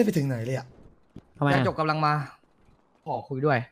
ไปถึงไหนเลยอ่ะทำไมยาจกกำลังมาขอคุยด้วย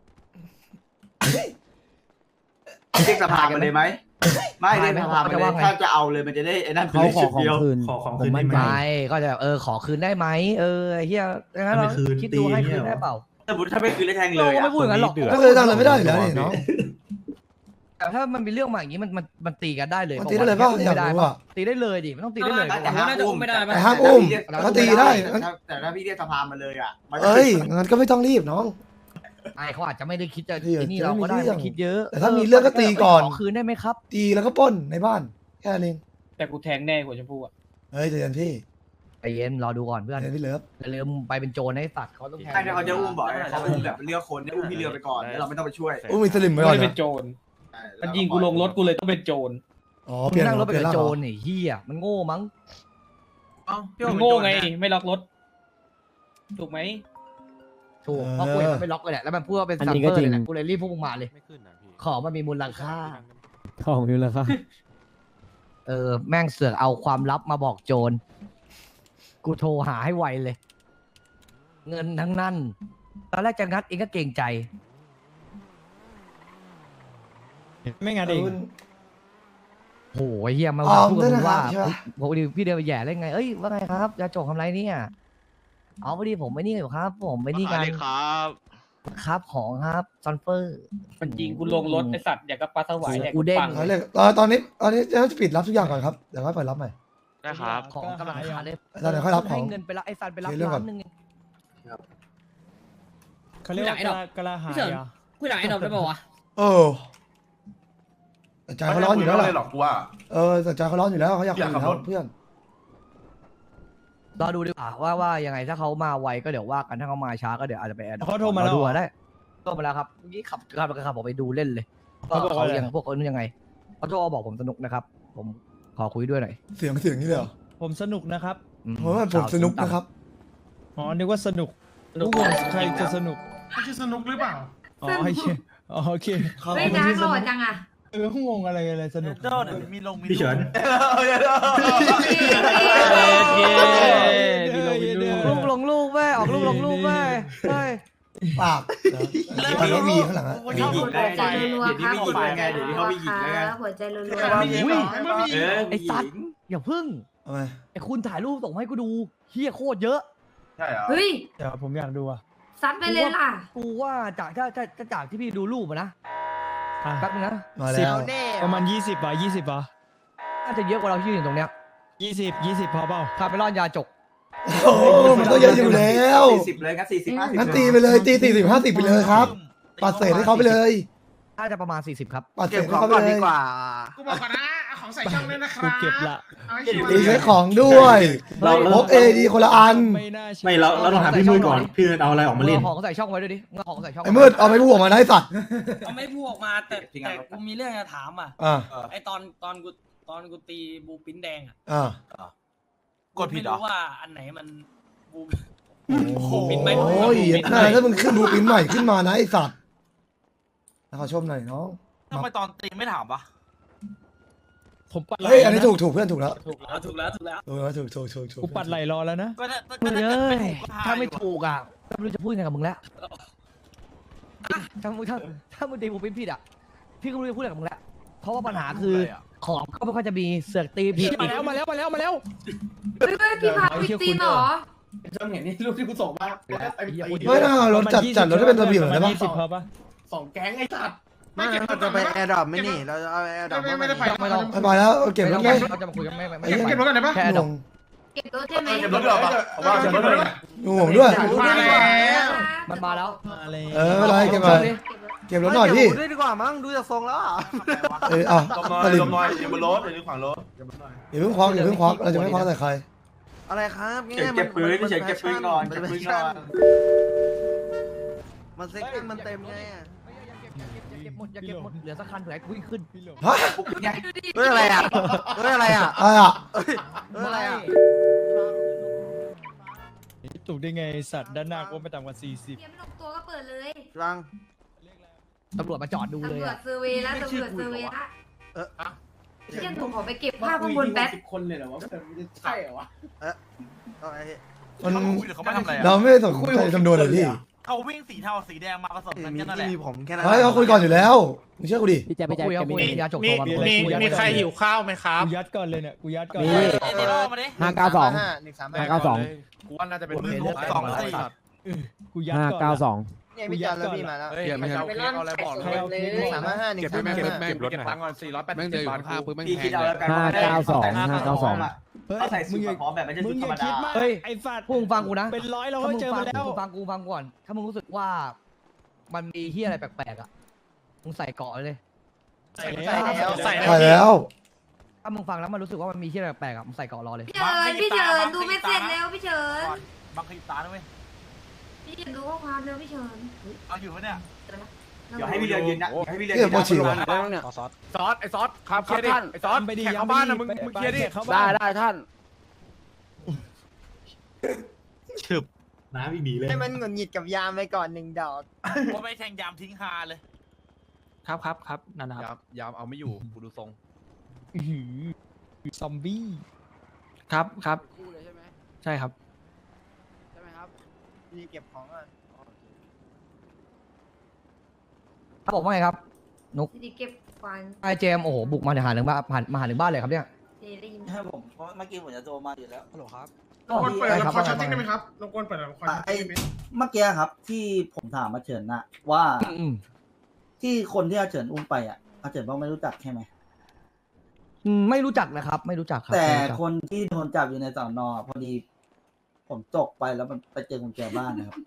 เรียกสภามาเลยไหมไม่เรียกสภามาเลยถ้าจะเอาเลยมันจะได้ไอ้นั่นเขาขอของคืนขอของผมคืนมั่นใจไม่ก็จะขอคืนได้ไหมไอ้เฮียงั้นเราคิดดูให้คืนได้เปล่าสมมติถ้าไม่คืนแล้วแทงเลเรายก็ไม่พูดอย่างนั้นหรอกก็เลยทำอะไรไม่ได้อยู่แล้วนี่น้องแต่ถ้ามันมีเรื่องมาอย่างนี้มันตีกันได้เลยมันตีได้เลยเปล่าอยากไม่ได้รู้อ่ะตีได้เลยดิไม่ต้องตีได้เลยแต่ห้ามอุ้มแต่ห้ามอุ้มก็ตีได้แต่ถ้าพี่เรียกสภามาเลยอ่ะเอ้ยงั้นก็ไม่ต้องรีบน้องไอ้เขาอาจจะไม่ได้คิดจะเดี๋ยวไอ้นี่เราก็ได้จะไม่มีเรื่องไม่คิดเยอะแต่ถ้ามีเรื่องก็ตีก่อนขอคืนได้ไหมครับตีแล้วก็ปล้นในบ้านแค่นั้นเองแต่กูแทงแน่กว่าชมพู่อ่ะเฮ้ยใจเย็นพี่ใจเย็นรอดูก่อนเพื่อนใจเย็นพี่เลิฟอย่าลืมไปเป็นโจรให้สัตว์เขาต้องแทงใช่ถ้าเขาจะอุ้มบ่อยเขาอุ้มแบบเลือกคนเนี่ยอุ้มพี่เรือไปก่อนแล้วเราไม่ต้องไปช่วยอุ้มมีสลิมไม่ไว้ก่อนได้เป็นะนโจรมันยิงกูลงรถกูเลยต้องเป็นโจรอ๋อมึเปลี่ยงนนั่งรถไปเปลี่ยกับนโจร่างรนี่เฮียมันโง่มั้งมึงโง่ไงไม่ล็อกรถถูกไหมถูกเพราะกูเห็นมันไม่ล็อกเลยแหละแล้วมันพูดว่าเป็นอันซัมนี้เปก็อร์จริเลงยนะกูเลยรีบพวกมึงมาเลยไม่ขึ้นนะพี่ของมันมีมูลค่าของอยู่แล้วครับแม่งเสือกเอาความลับมาบอกโจร กูโทรหาให้ไวเลย เงินทั้งนั้น ตอนแรกจะงัดเองก็เกรงใจไม่งั้นเองโหเฮียมาออมพูดด้วยกับมึนะงครัว่าบใช่ปะผมดิพี่เดินไปแย่ได้ไง เอ้ยว่าไงครับยาจกทำไรเนี่ย เอาพอดีผมไม่นี่อยู่ครับ ผมไม่นี่กันครับของครับซันเฟอร์มันยิงกูลงรถไอสัตว์อยากกับปลาสวายอยากกูเด้งปังเอาเลยตอนนี้จะปิดรับทุกอย่างก่อนครับเดี๋ยวค่อยเปิดรับใหม่ได้ครับของกำลังขาดเลยอาจารย์เดี๋ยวค่อยรับของให้เงินไปรับไอ้ซันไปรับเคลียร์เรื่องก่อนล้านหนึงเขาเรียกว่ากะลาหายอ่ะคุยหลังไอ้ดอกได้ป่าวะเออแต่ใจเขาร้อนอยู่แล้วไม่ล่ะหรอกกูว่าแต่ใจเขาร้อนอยู่แล้วเขาอยากคุยอยู่อยากขับแล้รวถเพื่อนรอดูดีกว่าว่ายังไงถ้าเขามาไวก็เดี๋ยวว่ากันถ้าเขามาช้าก็เดี๋ยวอาจจะไปแอดเขาโทรมาแล้วดูได้โทรมาแล้วครับเมื่อกี้ขับออกไปดูเล่นเลยว่าเขาบอกเขาว่าอะไรยังพวกเขายังไงเขาโทรมาบอกผมสนุกนะครับ ผมขอคุยด้วยหน่อยเสียงนี่เลยเหรอผมสนุกนะครับเพราะว่าผมสนุกนะครับอ๋อนึกว่าสนุกทุกคนใครจะสนุกไม่ใช่สนุกหรือเปล่าอ๋อโอเคอ๋อโอเคเฮ้ยนะหล่อจังอ่ะงงอะไรสนุกพี่เฉินลูกลงลูกแม่ออกลูกลงลูกแม่เฮ้ยปากตอนนี้วีข้างหลังอะมีหญิงได้หัวใจรัวๆครับเดี๋ยวนี้มีหญิงได้ไงเดี๋ยวนี้เขามีหญิงได้ไงหัวใจรัวอุ้ยไอ้ไอ้สัตว์อย่าพึ่งทำไมไอ้คุณถ่ายรูปส่งมาให้กูดูเฮียโคตรเยอะใช่เหรอเฮ้ยเดี๋ยวผมอยากดูอ่ะซัดไปเลยล่ะกูว่าจากถ้าจากที่พี่ดูรูปอะนะแป๊บนึงนะมาแล้วประมาณ20ป่ะ20ป่ะน่าจะเยอะกว่าเราที่ยืนอยู่ตรงเนี้ย 20พอเปล่าคาเมรอนยาจกโอ้มันต้องเยอะอยู่แล้ว 40เลยงั้น40 50 งั้นตีไปเลยตี40-50ไปเลยครับปัดเศษให้เขาไปเลยน่าจะประมาณ40ครับปัดเศษให้เขาไปเลยกูบอกก่อนนะเอาของใส่ช่องด้วยนะครักูบเก็บละเอาให้ชิวตีใช้ของด้วยพกเอดีคนละอันไม่น่าเชื่อไม่เราต้องถามพี่มือก่อนพี่เอาอะไรออกมาเล่นเอาของใส่ช่องไว้ด้วยดิมึงเอาของใส่ช่องไอ้มืดเอาไปพูดออกมาได้สัตว์เอาไม่พูดออกมาแต่กูมีเรื่องจะถามอ่ะอ่าไอตอนกูตีบูปิ้นแดงอ่ะอ่ากดผิดเหรอไม่รู้ว่าอันไหนมันบูโอ้โหปิดไม่ถ้ามึงขึ้นดูปิ้นใหม่ขึ้นมานะไอ้สัตว์ขอชมหน่อยน้องทำไมตอนตีไม่ถามวะผมปัดไหลเฮ้ยอันนี้ถูกเพื่อนถูกแล้วถูกแล้วถูกแล้วถูกกูปัดไหลรอแล้วนะมึงเอ้ยถ้าไม่ถูกอ่ะก็ไม่รู้จะพูดยังไงกับมึงแล้วถ้ามึงตีบูปิ้นผิดอ่ะพี่ก็ไม่รู้จะพูดยังไงกับมึงแล้วเพราะว่าปัญหาคือของก็ไม่ค่อยจะมีเสือกตีผิดมาแล้วเฮ้ยพี่พาไปตีนเหรอจำเห็นนี่รูปที่กูส่งมาไอ้ไม่น่ารถจัดรถให้เป็นระเบียบหน่อยได้ปะ 20พอปะสองแก๊งไอ้สัตว์ไม่เราจะไปแอร์ดรอปไม่นี่เราจะเอาแอร์ดรอปไม่ได้ไปไม่ต้องไปแล้วเก็บรถไหมเราจะมาคุยกันไม่เก็บรถกันได้ปะแค่ดอกเก็บรถใช่ไหมเก็บรถดีกว่าผมว่าเก็บรถเลยดูผมด้วยมาแล้วมันมาแล้วอะไรอะไรเก็บมาเก็บรถหน่อยพี่ด้วยดีกว่ามั้งดูจากทรงแล้วอ่ะลมน้อยสลิมลมน้อยอย่าบนรถอย่าขวางรถอย่าเพิ่งควักเราจะไม่ควักใส่ใครอะไรครับเก็บปืนเฉยเก็บปืนก่อนเก็บปืนก่อนมันเซ็กซ์มันเต็มไงอย่าเก็บหมดเหลือสักคันเผื่อให้กูวิ่งขึ้นฮะเฮ้ยอะไรอ่ะเฮ้ยอะไรอ่ะอะไรอ่ะเฮ้ยอะไรอ่ะถูกได้ไงสัตว์ด้านหน้าก็ไม่ต่ำกว่า40 เตรียมลงตัวก็เปิดเลยรังตำรวจมาจอดดูเลยตำรวจอะเซอร์เวย์แล้วตำรวจเซอร์เวย์ละเชี่ยหนูขอไปเก็บภาพข้างบนแป๊บคนเลยเหรอวะใช่เหรอวะเอาไอ้มันเขาไม่ทำอะไรเราไม่สนใจจำนวนเลยพี่เขาวิ่งสีเทาสีแดงมาผสมกันแค่นั้นแหละเฮ้ยเขาคุยก่อนอยู่แล้วมึงเชื่อกูดิพี่แจ๊คพี่แจ๊คคุยแกเอาคุยมียาจกโทรมาบอกมีใครหิวข้าวไหมครับกูยัดก่อนเลยเนี่ย กูยัดก่อนมีเดี๋ยวมาดิ 592 592 กูว่าน่าจะเป็นมือสองสี่ กูยัดก่อน 592 เนี่ยพี่จอนแล้วพี่มาแล้วเฮ้ยไม่เอาอะไรบอกใครเอาเพลง135 135 เก็บตังค์ก่อน480 บาทพี่คิดเอาแล้วกัน 592 ถ้าใส่สูตรพร้อมแบบไม่ใช่มึสูงตรอธรรมดาย่าคิดมากเฮ้ยไอ้สัตว์พวกมึงฟังกูนะเป็นร้อยเราก็เจอมาแล้วฟังกูก่อน ถ้ามึงรู้สึกว่ามันมีเฮียอะไรแปลกๆอ่ะมึงใส่เกาะเลยใส่แล้วใส่ใช่แล้วถ้ามึงฟังแล้วมันรู้สึกว่ามันมีเฮียอะไรแปลกๆอ่ะมึงใส่เกาะรอเลยพี่เฉินดูไม่เสร็จแล้วพี่เฉินบางขยิบตาด้วยพี่เฉินดูข้อความแล้วพี่เฉินเอาอยู่ปะเนี่ยเดี๋ยวให้พี่เรืองยืนนะให้พี่เรืองเกี่ยวกับฉี่วะซอสไอ้ซอสครับเคลียร์ดิไอ้ซอสไปดิแขกเข้าบ้านนะมึงเคลียร์ดิได้น้ำอีบีเลยให้มันหงุดหงิดกับยามไปก่อน1 ดอกว่าไม่แทงยามทิ้งฮาเลยครับนั่นนะครับยามเอาไม่อยู่กูดูทรงซอมบี้ครับใช่ครับใช่ไหมครับนี่เก็บของอ่ะถ้าบอกว่าไงครับดีเก็บฟันไอเจมโอ้โหบุกมาหาถึงบ้านมาหาถึงบ้านเลยครับเนี่ยได้ยินใช่ผมเพราะเมื่อกี้ผมจะโทรมาอยู่แล้วฮัลโหลครับรบกวนเปิดละครช็อตติ้งได้ไหมครับรบกวนเปิดละครไอ้เมื่อกี้ครับที่ผมถามอาเฉินนะว่าที่คนที่อาเฉินอุ้มไปอ่ะอาเฉินบอกไม่รู้จักใช่ไหมไม่รู้จักนะครับ ไม่รู้จักครับแต่ไม่รู้จักคนที่โดนจับอยู่ในสอนอพอดีผมตกไปแล้วมันไปเจอกุญแจบ้านนะครับ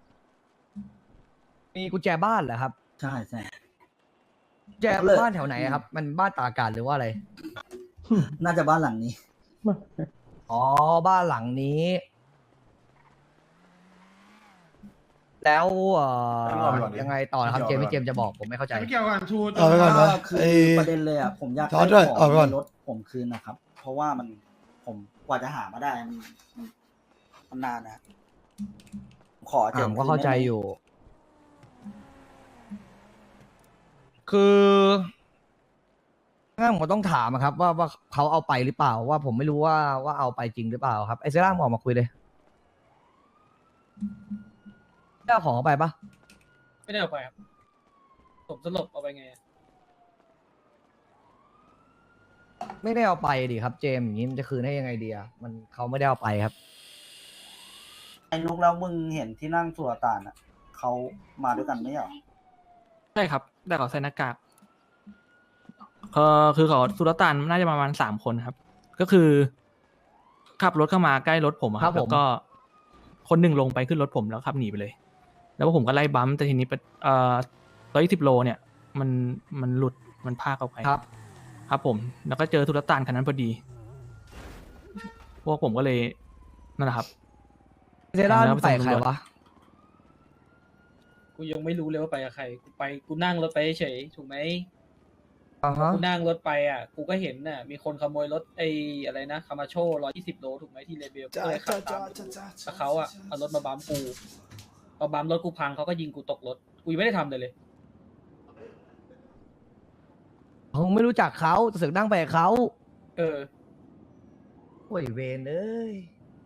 มีกุญแจบ้านเหรอครับใช่ใช่กุญแจบ้านแถวไหนอะครับ มันบ้านตากอากาศหรือว่าอะไรน่าจะบ้านหลังนี้อ๋อบ้านหลังนี้ แล้วยังไงต่อนะครับเจมส์พี่เจมส์จะบอกผมไม่เข้าใจไม่เกี่ยวกันชูเอาไปก่อนนะคือไอ้ประเด็นเลยอ่ะผมอยากจอร์จด้วยขเอาไปก่อนในรถผมคืนนะครับ เพราะว่ามันผมกว่าจะหามาได้มันนานนะขอเจผมก็เข้าใจอยู่ คืองั้นผมก็ต้องถามอะครับ ว่าเขาเอาไปหรือเปล่า ว่าผมไม่รู้ว่าเอาไปจริงหรือเปล่าครับไอเซร่าออกมาคุยเลยได้เอาของเอาไปปะไม่ได้เอาไปครับ ผมสลบเอาไปไงไม่ได้เอาไปดิครับ เจมส์อย่างนี้มันจะคืนให้ยังไงดีอะมันเขาไม่ได้เอาไปครับไอ้นุกแล้วมึงเห็นที่นั่งสุลต่านอ่ะเขามาด้วยกันไหมเหรอใช่ครับแต่เขาใส่หน้ากากคือเขาสุลต่านน่าจะประมาณ3 คนครับ ก็คือขับรถเข้ามาใกล้รถผมอะคครัรับบ ผมแล้วก็คนหนึ่งลงไปขึ้นรถผมแล้วขับหนีไปเลย แล้วผมก็ไล่บัมป์แต่ทีนี้120 โลเนี่ย มันหลุดมันพากออกไปครับครับผม แล้วก็เจอสุลต่านคันนั้นพอดี พวกผมก็เลยนั่นแหละครับเซร่าไปใครวะกูยังไม่รู้เลยว่าไปกับใครกูนั่งรถไปเฉยถูกไหมอ่าฮะกูนั่งรถไปอ่ะ กูก็เห็นน่ะ มีคนขโมยรถอะไรนะคามาโช120 โลถูกไหมที่เลเบลก็เลยขับตามแล้วเขาอ่ะเอารถมาบัมป์กูพอบัมป์รถกูพังเขาก็ยิงกูตกรถ กูยังไม่ได้ทำเลยผมไม่รู้จักเขาแต่เสือกนั่งไปกับเขาเออโอ้ยเวนเอ้ย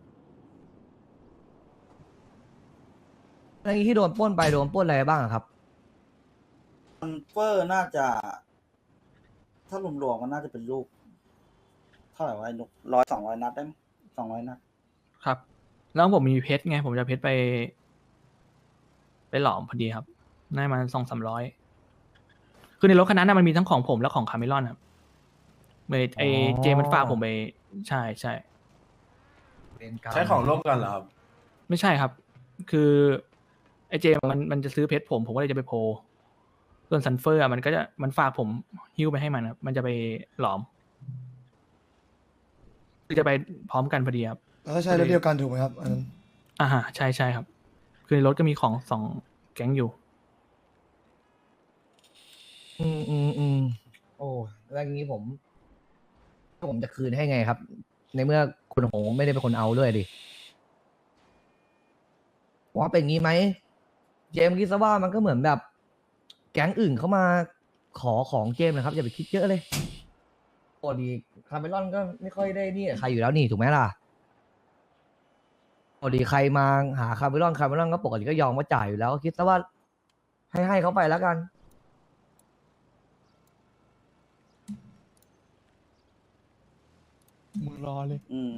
อะไรที่โดนปล้นไปโดนปล้นอะไรบ้างอะครับมันเฟอร์น่าจะ ถ้ารวมๆมันน่าจะเป็นลูกเท่าไหร่วะไอ้นุก200 นัดได้ไหม200 นัดครับ แล้วผมมีเพชรไง ผมจะเพชรไปหลอมพอดีครับได้มา200-300 คือในรถคันนั้นนะมันมีทั้งของผมและของคาเมลอนครับเจมันฝากผมไปใช่ใช่ใช้ของร่วมกันเหรอครับไม่ใช่ครับ คือไอเจมันจะซื้อเพชรผมก็เลยจะไปโพลส่วนซันเฟอร์มันฝากผมหิ้วไปให้มันครับมันจะไปหลอมคือจะไปพร้อมกันพอดีครับแล้วก็ใช่รถเดียวกันถูกไหมครับอันนั้นใช่ครับ คือในรถก็มีของ2 แก๊งอยู่โอ้แล้วอย่างนี้ผมจะคืนให้ไงครับ ในเมื่อคุณโหงไม่ได้เป็นคนเอาด้วยดิว่าเป็นงี้ไหมเจมส์คิดซะว่ามันก็เหมือนแบบ แก๊งอื่นเข้ามาขอของเจมส์นะครับอย่าไปคิดเยอะเลยโอ้ดีคาร์เมลอนก็ไม่ค่อยได้นี่กับใครอยู่แล้วนี่ถูกไหมล่ะปกติใครมาหาคาร์เมลอนก็ปกติก็ยอมว่าจ่ายอยู่แล้วก็คิดซะว่าให้เขาไปแล้วกันมึงรอเลยอืม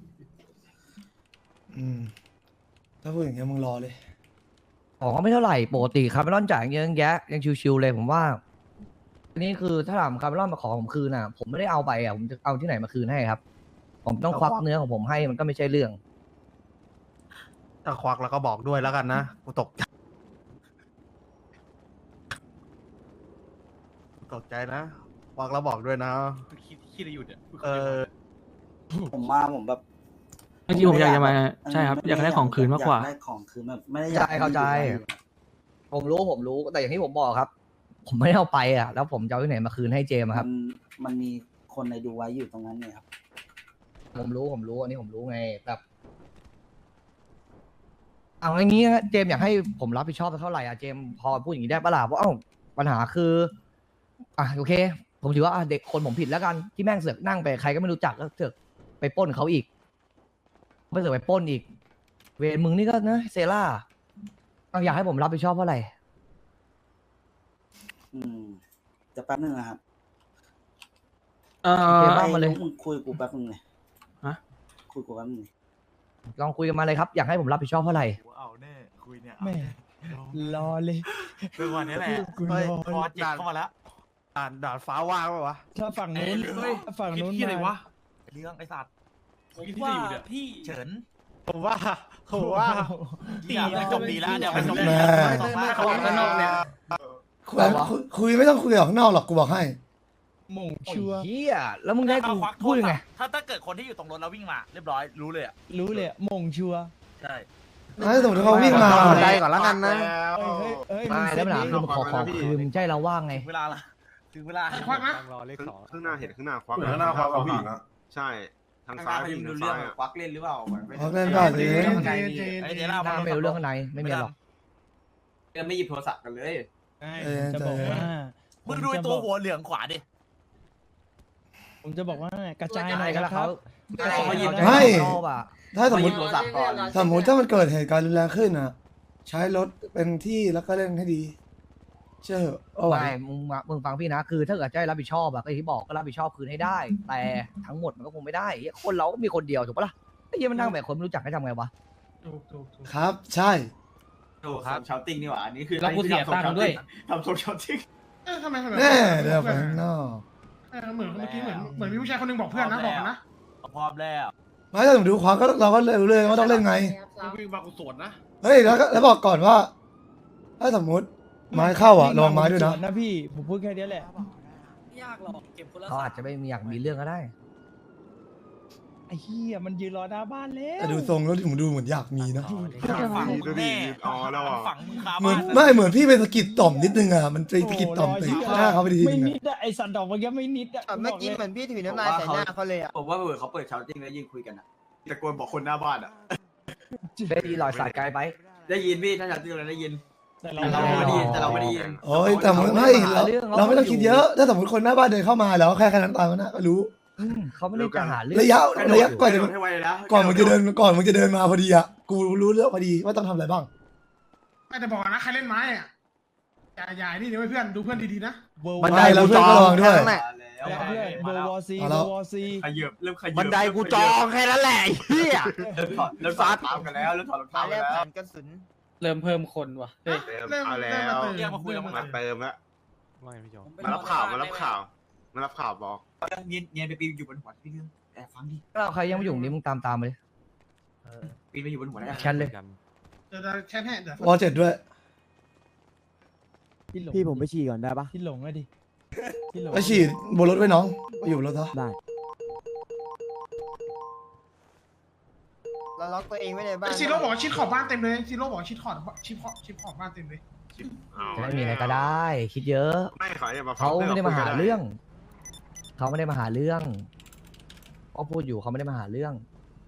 ถ้าพูดอย่างเงี้ยมึงรอเลยของก็ไม่เท่าไหร่ปกติคาร์เมลอนจ่ายเยอะแยะยังชิวๆเลยผมว่าทีนี้คือถ้าถามคาร์เมลอนมาขอผมคืนน่ะ ผมไม่ได้เอาไปอ่ะผมจะเอาที่ไหนมาคืนให้ครับ ผมต้องควักเนื้อของผมให้มันก็ไม่ใช่เรื่องถ้าควักแล้วก็บอกด้วยแล้วกันนะกูตกใจนะควักแล้วบอกด้วยนะคิดอะไรอยู่เนี่ยผมแบบเมื่อกี้ผมอยากจะมาใช่ครับอยากได้ของคืนมากกว่าอยได้ของคืนแบบไม่ได้อยากเข้าใจ ผมรู้แต่อย่างที่ผมบอกครับ ผมไม่ได้เอาไปอ่ะแล้วผมจะเอาที่ไหนมาคืนให้เจมส์อะครับมันมีคนในดูไว้อยู่ตรงนั้นเนี่ยครับผมรู้อันนี้ผมรู้ไงแบบเอาอย่างนี้นะเจมส์อยากให้ผมรับผิดชอบเท่าไหร่อ่ะเจมส์พอพูดอย่างนี้ได้ปะล่ะเพราะปัญหาคือโอเค ผมถือว่าเด็กคนผมผิดแล้วกันที่แม่งเสือกนั่งไปใครก็ไม่รู้จักแล้วเสือกไปปล้นเขาอีกไม่เสือกไปปล้นอีก เวรมึงนี่ก็นะเซล่าอยากให้ผมรับผิดชอบเท่าไหร่จะแป๊บนึงนะครับเจมส์ว่ามาเลยมึงคุยกูแป๊บนึงเลยฮะคุยกูแป๊บนึงเลยลองคุยกันมาเลยครับอยากให้ผมรับผิดชอบเท่าไหร่เอาแน่คุยเนี่ยแม่รอเลยเป็นวันนี้แหละกูรอพอเจ็บเข้ามาแล้วด่านฟ้าว่างปะวะถ้าฝั่งนู้นถ้าฝั่งนู้นคิดอะไรมาวะเรื่องไอ้สัตว์ผมว่าพี่เฉินผมว่าตีจบดีแล้วเดี๋ยวไปจบแม่เขาออกข้างนอกเนี่ยคุยไม่ต้องคุยออกข้างนอกหรอกกูบอกให้หม่งชัวร์เฮียแล้วมึงได้กูพูดยังไงถ้าเกิดคนที่อยู่ตรงรถแล้ววิ่งมาเรียบร้อยรู้เลยอ่ะรู้เลยหม่งชัวร์ใช่ถ้าสมมติเขาวิ่งมาได้ก่อนแล้วกันนะเฮ้ยไม่แล้วปัญหาคือขอของคืนมึงใจเราว่างไงถึงเวลาละถึงเวลาควักนะข้างหน้าเห็นข้างหน้าควักข้างหน้าควักกับผู้หญิงอะใช่ ทางซ้ายผู้หญิงทางซ้ายอะควักเล่นหรือเปล่าเขาเล่นได้สิไอ้เดี๋ยวเราหน้าไม่รู้เรื่องข้างในไม่มีหรอกไม่หยิบโทรศัพท์กันเลยจะบอกว่ามึงดูตัวหัวเหลืองขวาดิผมจะบอกว่ากระจายหน่อยก็นะแล้วครัเขาบไม่ชอบอ่ะถ้าสมมติโทรศัพท์ก่อนถ้ามันเกิดเหตุการณ์รุนแรงขึ้นอ่ะ ใช้รถเป็นที่แล้วก็เล่นให้ดี เชื่อเหอะเอาไว้ไม่มึงฟังพี่นะคือถ้าเกิดจะให้รับผิดชอบอะก็อย่างที่บอกก็รับผิดชอบคืนให้ได้ แต่ทั้งหมดมันก็คงไม่ได้เหี้ยคนเราก็มีคนเดียวถูกปะล่ะไอ้เหี้ยมันนั่งแบบคนไม่รู้จักให้ทำไงวะครับ ใช่ถูกครับชาวติ้งนี่หว่าอันนี้คือแล้วกูเสียตังค์ด้วยทำโซเชียลติ้งทำไมแน่เดี๋ยวไปข้างนอกเหมือนเมื่อกี้เหมือนมีผู้ชายคนนึงบอกเพื่อนนะบอกนะพร้อมแล้วไม่ถ้าสมมติดูความก็เราก็รู้เลยว่าต้องเล่นไงวิ่งมากูสวนนะเฮ้ยแล้วบอกก่อนว่า ถ้าสมมติไม้เข้าอ่ะระวังไม้ด้วยนะนะพี่ผมพูดแค่นี้แหละยากหรอกเก็บคนละเขาอาจจะไม่มีอยากมีเรื่องก็ได้ไอ้เหี้ยมันยืนรอหน้าบ้านแล้วแต่ดูทรงแล้วผมดูเหมือนอยากมีนะฝังดูดิแน่อ๋อแล้วอ่ะฝังมึงคาเหมือนบ้านไม่เหมือนพี่เป็นสะกิดต่อมนิดนึงอ่ะมันไปสะกิดต่อมตีหน้าเขาไปทีไม่นึงนิดอะไอสันดอกเมื่อกี้ไม่นิดอะเมื่อกี้เหมือนพี่ถือน้ำลายใส่หน้าเขาเลยอ่ะผมว่าเขาเปิดชาวติ้งแล้วยืนคุยกันอ่ะตะโกนบอกคนหน้าบ้านอ่ะได้ดีลอยสายไกลไปได้ยินพี่ถ้าชาวติ้งเราได้ยินแต่แต่เราไม่ได้ยินแต่เราไม่ได้ยินโอ้ยแต่ไม่เราไม่ต้องคิดเยอะ ถ้าสมมติคนหน้าบ้านเดินเข้ามาแล้วแค่นั้นตามนั้นก็รู้เขาไม่ได้จะหาเรื่องระยะก่อนจะให้ไวนะก่อนมึงจะเดินมาพอดีอ่ะกูรู้เรื่องพอดีว่าต้องทำอะไรบ้างไม่แต่บอกนะใครเล่นไม้อ่ะอย่านี่เดี๋ยวเพื่อนดูเพื่อนดีๆนะบันไดเราเพื่อนก็ระวังด้วยเพื่อนเบอร์วอซีเบอร์วอซีขยับเริ่มขยับบันไดกูจองแค่นั้นแหละเฮียเริ่มถอดรองเท้ากันแล้วเริ่มถอดรองเท้าตากันแรกแล้วผ่านกระสุนเริ่มเพิ่มคนว่ะเฮ้ยเติมเอาแล้วเรียกมาคุยกับมึงมาเติมแล้วไม่พี่จอมารับข่าวมารับข่าวมารับข่าวบอกเนียนไปปีนอยู่บนหัวพี่เรื่องแต่ฟังดิเราใครยังไม่อยู่นี่มึงตามไปเลยปีนไปอยู่บนหัวได้แชทเลยเดี๋ยวแค่เดี๋ยววอลเจ็ดด้วยพี่ผมไปฉี่ก่อนได้ปะที่หลงอะดิที่หลงไปฉีดบนรถไว้น้องไปอยู่บนรถซะได้ เราล็อกตัวเองไว้ในบ้านซีโร่บอกชิดขอบบ้านเต็มเลยซีโร่บอกชิดขอบบ้านเต็มเลยจะไม่มีอะไรก็ได้ คิดเยอะไม่ขออย่ามาเขาไม่ได้มาหาเรื่องเขาไม่ได้มาหาเรื่องเขาพูดอยู่เขาไม่ได้มาหาเรื่อง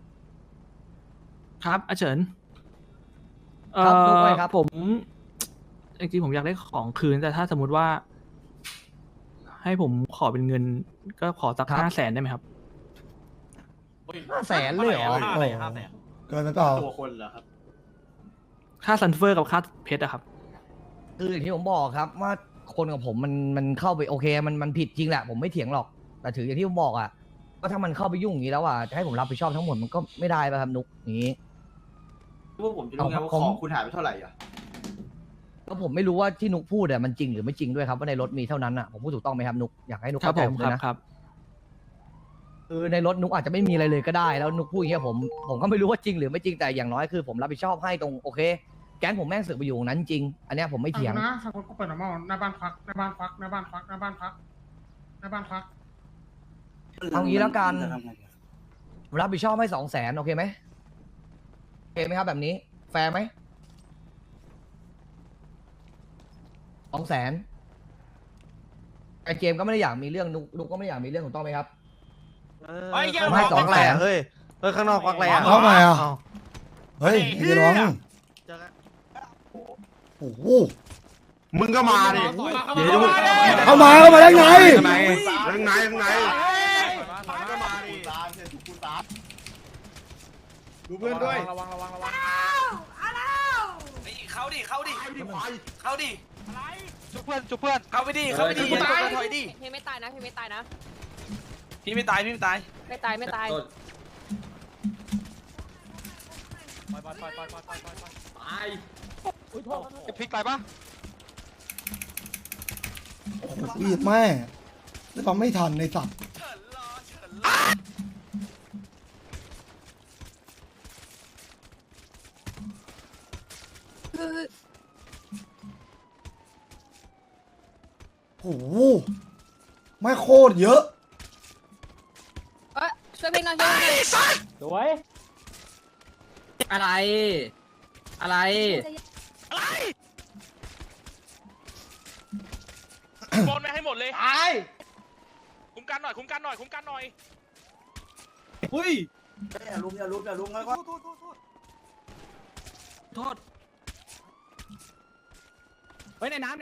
ครับอาเฉินครับพูดไปครับผมจริงๆผมอยากได้ของคืนแต่ถ้าสมมุติว่า ให้ผมขอเป็นเงิน ก็ขอสัก500,000ได้ไหมครับ 500,000เลยเหรอ 500,000 เกินไปเปล่าตัวคนเหรอครับค่าซันเฟอร์กับค่าเพชรอะครับคืออย่างที่ผมบอกครับว่าคนกับผมมันเข้าไปโอเคมันผิดจริงแหละผมไม่เถียงหรอกแต่ถืออย่างที่ผมบอกอ่ะว่าถ้ามันเข้าไปยุ่งอย่างนี้แล้วอ่ะจะให้ผมรับผิดชอบทั้งหมดมันก็ไม่ได้ป่ะครับนุกอย่างนี้พวกผมจะรู้ไงว่าของคุณหายไปเท่าไหร่อ่ะก็ผมไม่รู้ว่าที่นุกพูดอ่ะมันจริงหรือไม่จริงด้วยครับว่าในรถมีเท่านั้นอ่ะผมพูดถูกต้องไหมครับนุกอยากให้นุกครับเข้าใจผมผมคเลรับยนะครับ คือในรถนุกอาจจะไม่มีอะไรเลยก็ได้แล้วนุกพูดอย่างเงี้ยผมก็ไม่รู้ว่าจริงหรือไม่จริงแต่อย่างน้อยคือผมรับผิดชอบให้ตรงโอเคแก๊งผมแม่งสึกไปอยู่ตรงนั้นจริงอันเนี้ยผมไม่เถียงนะสักคนก็เปิดหน้าบ้านหน้าบ้านพักหน้าบ้านพักหน้าบ้านพักหน้าบ้านพักหน้าบ้านพักเอางี้แล้วกันจะทำไงดีรับผิดชอบให้200,000โอเคไหมโอเคไหมครับแบบนี้แฟร์ไหม200,000ไอเกมก็ไม่ได้อยากมีเรื่องนุกก็ไม่ได้อยากมีเรื่องถูกต้องไหมครับเฮ้ยผมให้200,000 เฮ้ยข้างนอกควักอะไรอ่ะเข้ามาอ่ะเฮ้ยอย่าร้องโอ้โหมึงก็มาดิเข้ามาได้ไงยังไงมึงก็มาดิดูเพื่อนด้วยเข้าดิเข้าดิเข้าดิจุบเพื่อนจุบเพื่อนเข้าไปดิเข้าไปดิอย่าถอยดิพี่ไม่ตายนะพี่ไม่ตายนะพี่ไม่ตายพี่ไม่ตายไม่ตายไม่ตายจะพลิกไปปะวีดแม่แล้วฟังไม่ทันในสัตว์โอ้โหไม่โคตรเยอะช่วยพี่หน่อยช่วยพี่หน่อยสวยอะไร อะไรบอลไม่ให้หมดเลยตายคุ้มกันหน่อยคุ้มกันหน่อยคุ้มกันหน่อยอุ้ยอย่าลุมแล้วก็โทษเฮ้ยในน้ำ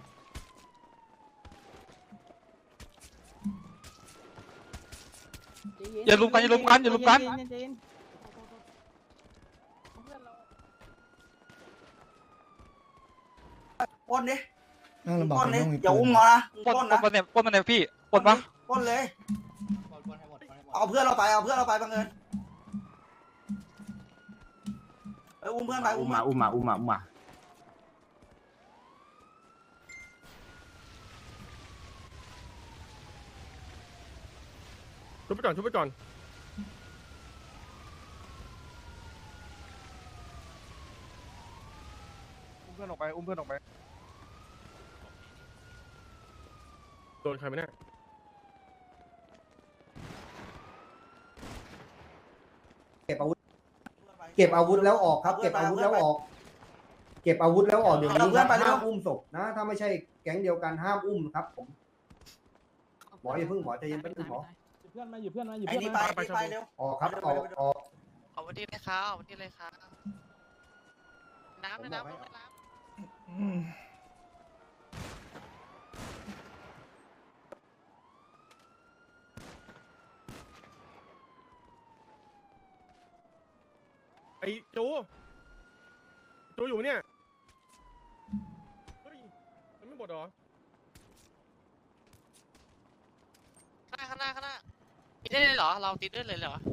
อย่าลุมกันอย่าลุมกันอย่าลุมกันปล้นดินั่งลำบากปล้นเลดิยต้องมีอย่าปือุ้นมมานะปล้นปล้นปล้นะนเนี่ยปล้นมันเนี่ยพี่ปล้นปะปล้นเลยเอาเพื่อนเราไปบังเอิญอุ้มเพื่อนไปอุ้มมาชุบไปก่อนชุบไปก่อนอุ้มเพื่อนออกไปโดนใครไหมเนี่ยเก็บอาวุธแล้วออกครับเก็บอาวุธแล้วออกเดี๋ยวนี้ห้ามอุ้มศพนะถ้าไม่ใช่แก๊งเดียวกันห้ามอุ้มครับผมหมออย่าเพิ่งหมอใจเย็นแป๊บนึงหมอเพื่อนมาอยู่เพื่อนมาอยู่ไอ้เพื่อนนี่มาไปเร็วออกครับออกเอาวันที่เลยครับเอาวันที่เลยครับน้ำน้ำไอ้จูอยู่เนี่ยเฮ้ยมันไม่หมดหรอข้างหน้าติดได้เลยเหรอเราติดได้เลยเหรอ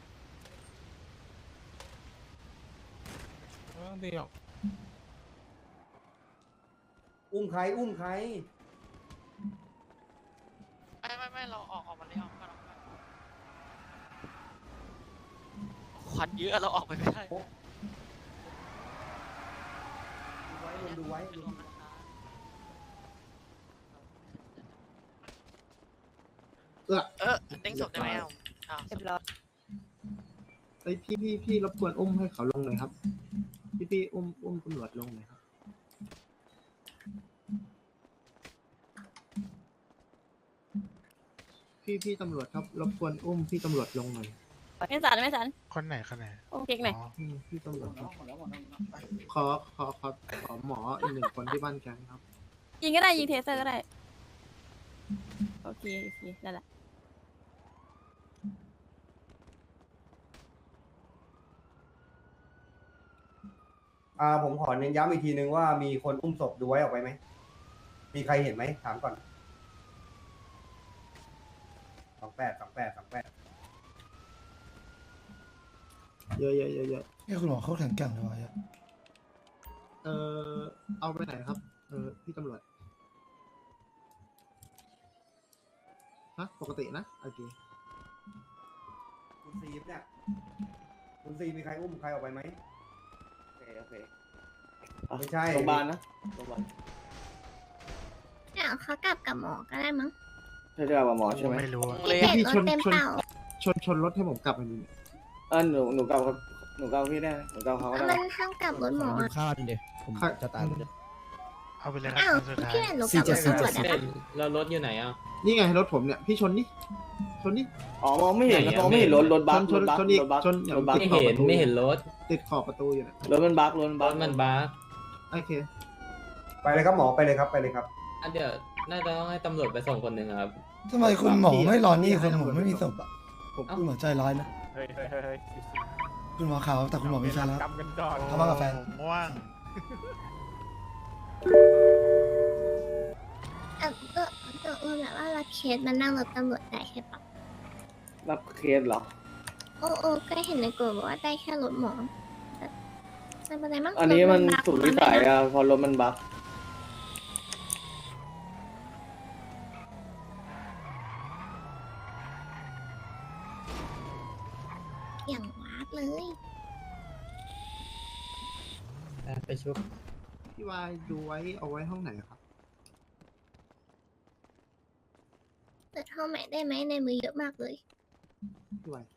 เดียวอุ้มใครไม่เราออกมาเลยออกมาควันเยอะเราออกไปไม่ได้ดูไว้เด้งศพได้ไหมเอาเรียบร้อยเฮ้ยพี่รบกวนอุ้มให้เขาลงหน่อยครับพี่อุ้มตำรวจลงหน่อยครับพี่ตำรวจครับรบกวนอุ้มพี่ตำรวจลงหน่อยไม่สันไม่สันคนไหนโอเคไหนพี่ตำรวจครับขอหมออีกหนึ่งคนที่บ้านแกงครับยิงก็ได้ยิงเทเซอร์ก็ได้โอเคนั่นแหละผมขอเน้นย้ำอีกทีนึงว่ามีคนอุ้มศพดูไว้ออกไปไหมมีใครเห็นไหมถามก่อน28 เยอะนี่คุณหมอเขาแข็งแกร่งเลยวะเนี่ยเอาไปไหนครับพี่ตำรวจฮะปกตินะโอเคคุณซีเนี่ยคุณซีมีใครอุ้มใครออกไปไหมโอเคไม่ใช่โรงพยาบาลนะโรงพยาบาลเดี๋ยวเขากลับกับหมอก็ได้มั้งใช่เรื่องหมอใช่ไหมไม่รู้อะพี่เห็นรถเต็มเปล่าชนรถให้ผมกลับมาดูหนูเกาครับหนูเกาพี่ได้หนูเกาเขาก็มัได้นห้ามกลับรถหมออะข้าวดิผมจะตายเอาไปเลยครัอ้าวบสุดท้ายพี่เห็นหนูกลับรถตำรวจอะแล้วรถอยู่ไหนอ่ะนี่ไงรถผมเนี่ยพี่ชนนี่อ๋อมองไม่เห็นมองไม่เห็นรถบัสชนอีกชนรถบัสไม่เห็นรถติดขอบประตูอยู่นะรถมันบัสมันบ้าโอเคไปเลยครับหมอไปเลยครับอันเดี๋ยวน่าจะต้องให้ตำรวจไปส่งคนหนึ่งครับทำไมคุณหมอไม่รอนี่คุณหมอไม่มีศพอ่ะคุณหมอใจร้ายนะเฮ้ยคุณหมอขาวแต่คุณหมอมีแฟนแล้วกำกันก่อนเขามากับแฟนม่วงแบบว่ารับเคสมันนั่งรถตำรวจได้ใช่ปะรับเคสเหรอโอ้ก็เห็นในกลุ่มบอกว่าได้แค่รถหมอแต่ไม่เป็นไรมั้งอันนี้มันรถสุดวิสัยอะพอรถมันบัสอย่างวาดเลยไปชุบพี่วายดูไว้เอาไว้ห้องไหนครับเปิดห้องใหม่ได้ไหมในมือเยอะมากเลยพี่วาย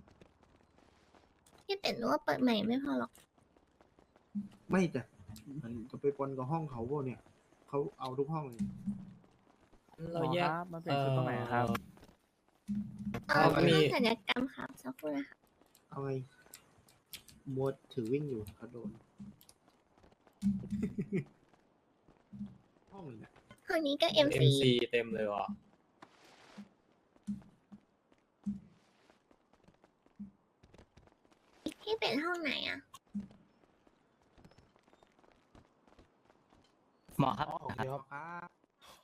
พี่เป็ดรู้ว่าเปิดใหม่ไม่พอหรอกไม่จ้ะมันจะไปปนกับห้องเขาพวกเนี่ยเขาเอาทุกห้องเลยเราแยกมันเป็นชุดตรงไหนครับห้องศัลยกรรมครับสักครู่นะคะเอาไงมดถือวิ่งอยู่เขาโดน ห้องเลยเนี่ยห้องนี้ก็ MC เต็มเลยว่ะพี่เป็ดห้องไหนอ่ะหมอครับโอเคครับ